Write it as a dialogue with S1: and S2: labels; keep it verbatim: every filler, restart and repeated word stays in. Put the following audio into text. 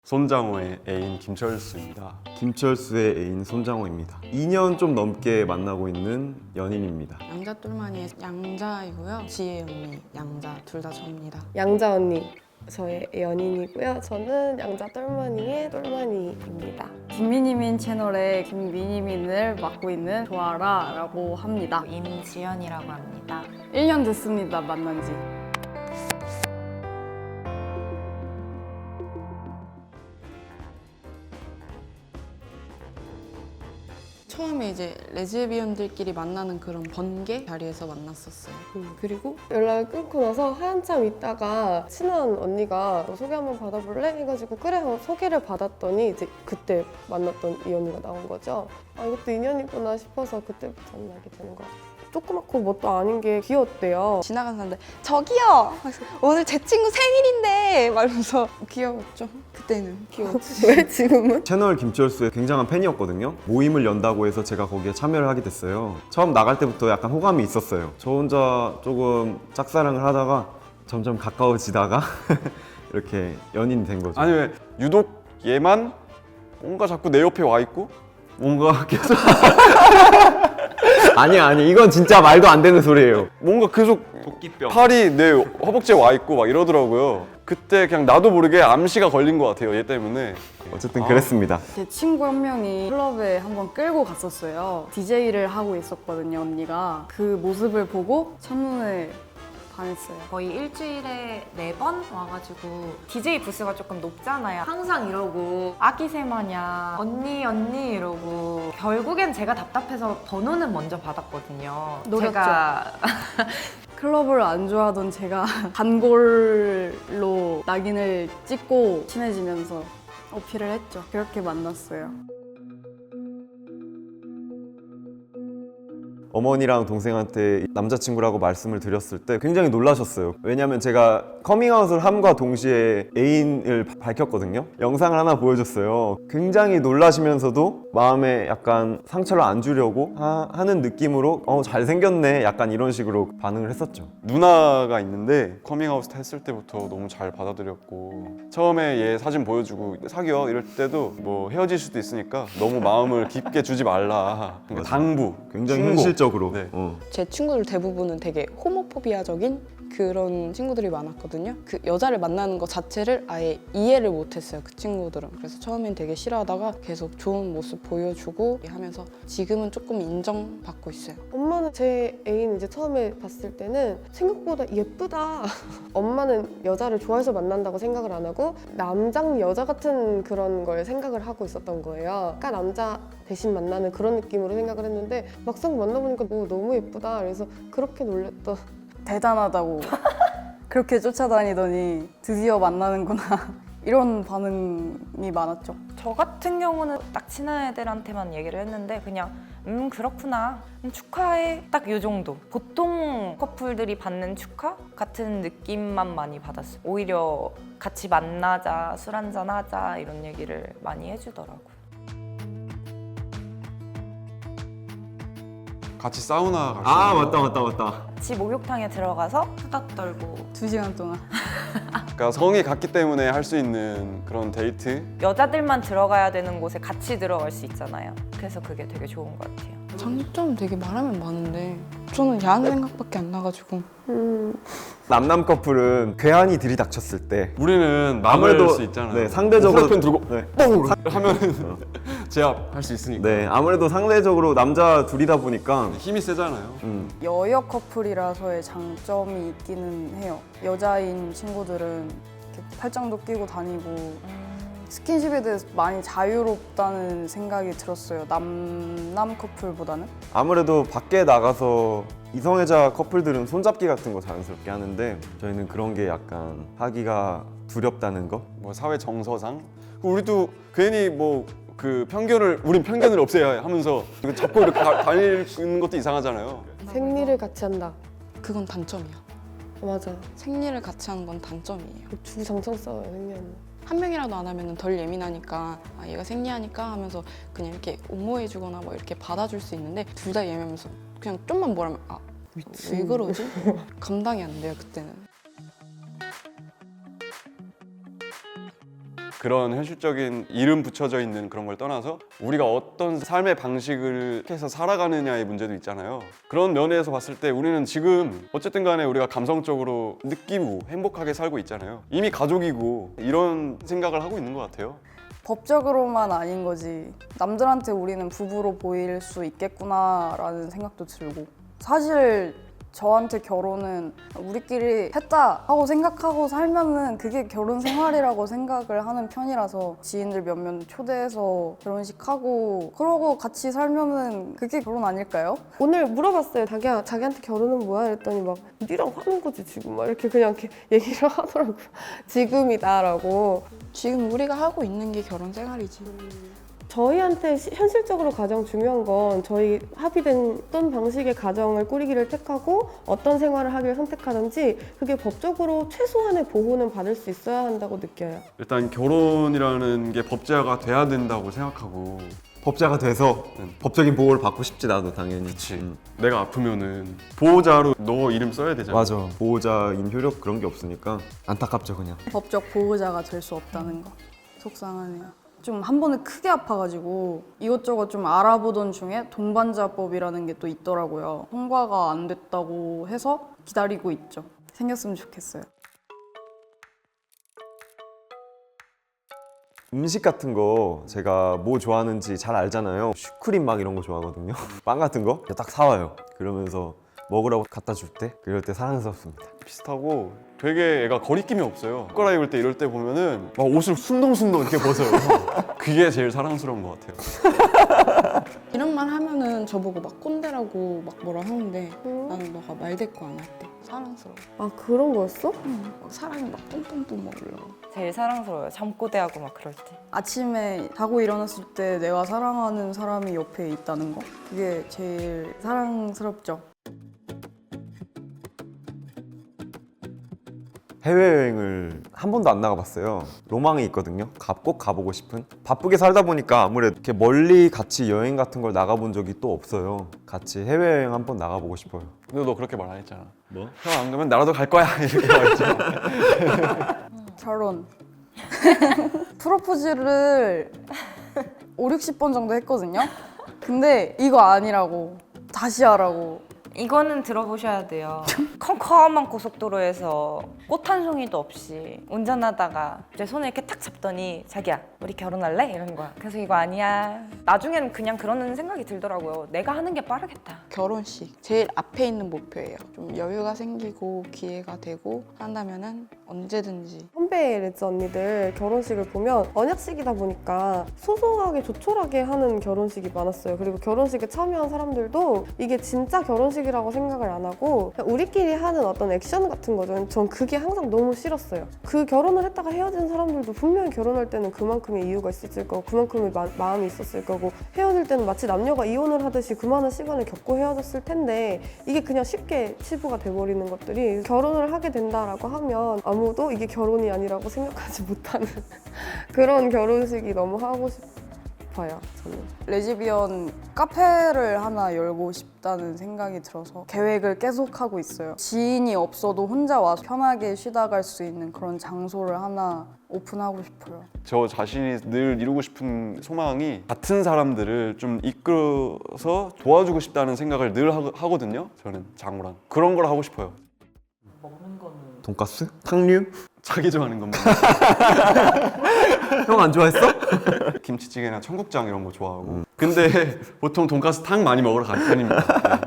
S1: 손장호의 애인 김철수입니다.
S2: 김철수의 애인 손장호입니다. 이 년 좀 넘게 만나고 있는 연인입니다.
S3: 양자 똘마니의 양자이고요. 지혜 언니 양자 둘 다 저입니다.
S4: 양자 언니 저의 연인이고요. 저는 양자 똘마니의 똘마니입니다.
S5: 김미니민 채널의 김미니민을 맡고 있는 조아라라고 합니다.
S6: 임지연이라고 합니다.
S5: 일 년 됐습니다, 만난 지.
S3: 처음에 이제 레즈비언들끼리 만나는 그런 번개 자리에서 만났었어요.
S4: 음.
S3: 그리고
S4: 연락을 끊고 나서 한참 있다가 친한 언니가 너 소개 한번 받아볼래? 해가지고 그래 하고 소개를 받았더니 이제 그때 만났던 이 언니가 나온 거죠. 아 이것도 인연이구나 싶어서 그때부터 만나게 되는 것 같아요. 조그맣고 뭣도 아닌 게 귀여웠대요.
S3: 지나간 사람들 저기요! 오늘 제 친구 생일인데! 말면서 귀여웠죠. 그때는 귀여웠지.
S4: 왜 지금은?
S2: 채널 김철수의 굉장한 팬이었거든요. 모임을 연다고 해서 제가 거기에 참여를 하게 됐어요. 처음 나갈 때부터 약간 호감이 있었어요. 저 혼자 조금 짝사랑을 하다가 점점 가까워지다가 이렇게 연인이 된 거죠.
S1: 아니 왜 유독 얘만 뭔가 자꾸 내 옆에 와 있고 뭔가 계속
S2: 아니 아니 이건 진짜 말도 안 되는 소리예요.
S1: 뭔가 계속
S2: 도끼병.
S1: 팔이 내 허벅지에 와 있고 막 이러더라고요. 그때 그냥 나도 모르게 암시가 걸린 것 같아요. 얘 때문에.
S2: 어쨌든
S1: 아.
S2: 그랬습니다.
S5: 제 친구 한 명이 클럽에 한번 끌고 갔었어요. 디제이를 하고 있었거든요, 언니가. 그 모습을 보고 첫눈에 반했어요.
S6: 거의 일주일에 네 번 와가지고 디제이 부스가 조금 높잖아요. 항상 이러고 아기새 마냥 언니 언니 이러고 결국엔 제가 답답해서 번호는 먼저 받았거든요.
S5: 노렸죠.
S6: 제가
S5: 클럽을 안 좋아하던 제가 단골로 낙인을 찍고 친해지면서 어필을 했죠. 그렇게 만났어요.
S2: 어머니랑 동생한테 남자친구라고 말씀을 드렸을 때 굉장히 놀라셨어요. 왜냐면 제가 커밍아웃을 함과 동시에 애인을 바- 밝혔거든요. 영상을 하나 보여줬어요. 굉장히 놀라시면서도 마음에 약간 상처를 안 주려고 하, 하는 느낌으로 어 잘생겼네 약간 이런 식으로 반응을 했었죠.
S1: 누나가 있는데 커밍아웃 했을 때부터 너무 잘 받아들였고 처음에 얘 사진 보여주고 사귀어 이럴 때도 뭐 헤어질 수도 있으니까 너무 마음을 깊게 주지 말라. 그러니까 당부,
S2: 굉장히
S1: 충고.
S2: 현실적으로.
S1: 네.
S2: 어.
S3: 제 친구들 대부분은 되게 호모포비아적인 그런 친구들이 많았거든요. 그 여자를 만나는 것 자체를 아예 이해를 못했어요, 그 친구들은. 그래서 처음엔 되게 싫어하다가 계속 좋은 모습 보여주고 하면서 지금은 조금 인정받고 있어요.
S4: 엄마는 제 애인 이제 처음에 봤을 때는 생각보다 예쁘다. 엄마는 여자를 좋아해서 만난다고 생각을 안 하고 남장 여자 같은 그런 걸 생각을 하고 있었던 거예요. 그러니까 남자 대신 만나는 그런 느낌으로 생각을 했는데 막상 만나보니까 오, 너무 예쁘다. 그래서 그렇게 놀랬던.
S5: 대단하다고 그렇게 쫓아다니더니 드디어 만나는구나 이런 반응이 많았죠.
S6: 저 같은 경우는 딱 친한 애들한테만 얘기를 했는데 그냥 음 그렇구나 음, 축하해 딱 이 정도. 보통 커플들이 받는 축하 같은 느낌만 많이 받았어요. 오히려 같이 만나자 술 한잔 하자 이런 얘기를 많이 해주더라고요.
S1: 같이 사우나 갈수
S2: 아
S1: 있는
S2: 맞다 맞다 맞다.
S6: 같이 목욕탕에 들어가서 수다 떨고
S5: 두 시간 동안.
S1: 그러니까 성이 같기 때문에 할 수 있는 그런 데이트.
S6: 여자들만 들어가야 되는 곳에 같이 들어갈 수 있잖아요. 그래서 그게 되게 좋은 것 같아요.
S3: 장점 되게 말하면 많은데 저는 야한 생각밖에 안 나가지고
S4: 음,
S2: 남남 커플은 괴한이 들이닥쳤을 때
S1: 우리는 남을 수 있잖아요.
S2: 네, 상대적으로
S1: 후라이팬 들고
S2: 네.
S1: 하면은 제압할 수 있으니까.
S2: 네, 아무래도 상대적으로 남자 둘이다 보니까
S1: 힘이 세잖아요.
S2: 음,
S5: 여여 커플이라서의 장점이 있기는 해요. 여자인 친구들은 이렇게 팔짱도 끼고 다니고 스킨십에 대해서 많이 자유롭다는 생각이 들었어요. 남남 커플보다는.
S2: 아무래도 밖에 나가서 이성애자 커플들은 손잡기 같은 거 자연스럽게 하는데 저희는 그런 게 약간 하기가 두렵다는 거?
S1: 뭐 사회 정서상 우리도 괜히 뭐 그 편견을 우린 편견을 없애야 하면서 이거 잡고 이렇게 다, 다니는 것도 이상하잖아요.
S4: 생리를 같이 한다.
S3: 그건 단점이야.
S4: 맞아.
S3: 생리를 같이 하는 건 단점이에요.
S4: 주장창 싸워요, 생리하면.
S3: 한 명이라도 안 하면 덜 예민하니까 아, 얘가 생리하니까 하면서 그냥 이렇게 옹호해주거나 뭐 이렇게 받아줄 수 있는데 둘 다 예민하면서 그냥 좀만 뭐라면 아, 왜 그러지? 감당이 안 돼요, 그때는.
S1: 그런 현실적인 이름 붙여져 있는 그런 걸 떠나서 우리가 어떤 삶의 방식을 해서 살아가느냐의 문제도 있잖아요. 그런 면에서 봤을 때 우리는 지금 어쨌든 간에 우리가 감성적으로 느끼고 행복하게 살고 있잖아요. 이미 가족이고 이런 생각을 하고 있는 것 같아요.
S5: 법적으로만 아닌 거지 남들한테 우리는 부부로 보일 수 있겠구나라는 생각도 들고 사실 저한테 결혼은 우리끼리 했다 하고 생각하고 살면은 그게 결혼 생활이라고 생각을 하는 편이라서 지인들 몇몇 초대해서 결혼식하고 그러고 같이 살면은 그게 결혼 아닐까요?
S4: 오늘 물어봤어요. 자기야, 자기한테 결혼은 뭐야? 이랬더니 막 니랑 하는 거지 지금 막 이렇게 그냥 이렇게 얘기를 하더라고요. 지금이다라고.
S3: 지금 우리가 하고 있는 게 결혼 생활이지.
S4: 저희한테 시- 현실적으로 가장 중요한 건 저희 합의된 어떤 방식의 가정을 꾸리기를 택하고 어떤 생활을 하기를 선택하든지 그게 법적으로 최소한의 보호는 받을 수 있어야 한다고 느껴요.
S1: 일단 결혼이라는 게 법제화가 돼야 된다고 생각하고
S2: 법자가 돼서
S1: 응.
S2: 법적인 보호를 받고 싶지 나도 당연히.
S1: 그치.
S2: 음.
S1: 내가 아프면은 보호자로 너 이름 써야 되잖아.
S2: 맞아. 보호자인 효력 그런 게 없으니까 안타깝죠 그냥.
S5: 법적 보호자가 될 수 없다는 거 속상하네요. 좀 한 번에 크게 아파가지고 이것저것 좀 알아보던 중에 동반자법이라는 게 또 있더라고요. 통과가 안 됐다고 해서 기다리고 있죠. 생겼으면 좋겠어요.
S2: 음식 같은 거 제가 뭐 좋아하는지 잘 알잖아요. 슈크림 막 이런 거 좋아하거든요. 빵 같은 거 딱 사와요. 그러면서 먹으라고 갖다 줄 때 그럴 때 사랑스럽습니다.
S1: 비슷하고 되게 애가 거리낌이 없어요. 옷 갈아입을 때 이럴 때 보면은 막 옷을 순동순동 이렇게 벗어요. 그게 제일 사랑스러운 것 같아요.
S3: 이런 말 하면은 저보고 막 꼰대라고 막 뭐라 하는데
S4: 음.
S3: 나는 너가 말 대꾸 안 할 때 사랑스러워.
S4: 아 그런 거였어?
S3: 응. 막 사랑이 막 뿜뿜뿜 막 올라와.
S6: 제일 사랑스러워요. 잠꼬대하고 막 그럴 때.
S5: 아침에 자고 일어났을 때 내가 사랑하는 사람이 옆에 있다는 거 그게 제일 사랑스럽죠.
S2: 해외여행을 한 번도 안 나가봤어요. 로망이 있거든요. 가- 꼭 가보고 싶은. 바쁘게 살다 보니까 아무래도 이렇게 멀리 같이 여행 같은 걸 나가본 적이 또 없어요. 같이 해외여행 한 번 나가보고 싶어요.
S1: 근데 너 그렇게 말 안 했잖아.
S2: 뭐?
S1: 형 안 가면 나라도 갈 거야 이렇게 말했지.
S5: 결혼. 프로포즈를 오륙십 번 정도 했거든요. 근데 이거 아니라고. 다시 하라고.
S6: 이거는 들어보셔야 돼요. 컴컴한 고속도로에서 꽃 한 송이도 없이 운전하다가 제 손을 이렇게 탁 잡더니 자기야 우리 결혼할래? 이런 거야. 그래서 이거 아니야. 나중엔 그냥 그러는 생각이 들더라고요. 내가 하는 게 빠르겠다.
S3: 결혼식 제일 앞에 있는 목표예요. 좀 여유가 생기고 기회가 되고 한다면은 언제든지.
S4: 선배 레즈 언니들 결혼식을 보면 언약식이다 보니까 소소하게 조촐하게 하는 결혼식이 많았어요. 그리고 결혼식에 참여한 사람들도 이게 진짜 결혼식이라고 생각을 안 하고 그냥 우리끼리 하는 어떤 액션 같은 거죠. 전 그게 항상 너무 싫었어요. 그 결혼을 했다가 헤어진 사람들도 분명히 결혼할 때는 그만큼의 이유가 있었을 거고 그만큼의 마, 마음이 있었을 거고 헤어질 때는 마치 남녀가 이혼을 하듯이 그 많은 시간을 겪고 헤어졌을 텐데 이게 그냥 쉽게 치부가 돼버리는 것들이 결혼을 하게 된다라고 하면 아무도 이게 결혼이 아니라고 생각하지 못하는 그런 결혼식이 너무 하고 싶어요. 저는.
S5: 레즈비언 카페를 하나 열고 싶다는 생각이 들어서 계획을 계속하고 있어요. 지인이 없어도 혼자 와서 편하게 쉬다 갈 수 있는 그런 장소를 하나 오픈하고 싶어요.
S1: 저 자신이 늘 이루고 싶은 소망이 같은 사람들을 좀 이끌어서 도와주고 싶다는 생각을 늘 하, 하거든요. 저는 장우랑 그런 걸 하고 싶어요.
S2: 돈가스? 탕류?
S1: 자기 좋아하는 것만.
S2: 형 안 좋아했어?
S1: 김치찌개나 청국장 이런 거 좋아하고. 근데 보통 돈가스 탕 많이 먹으러 갈 편입니다. 네.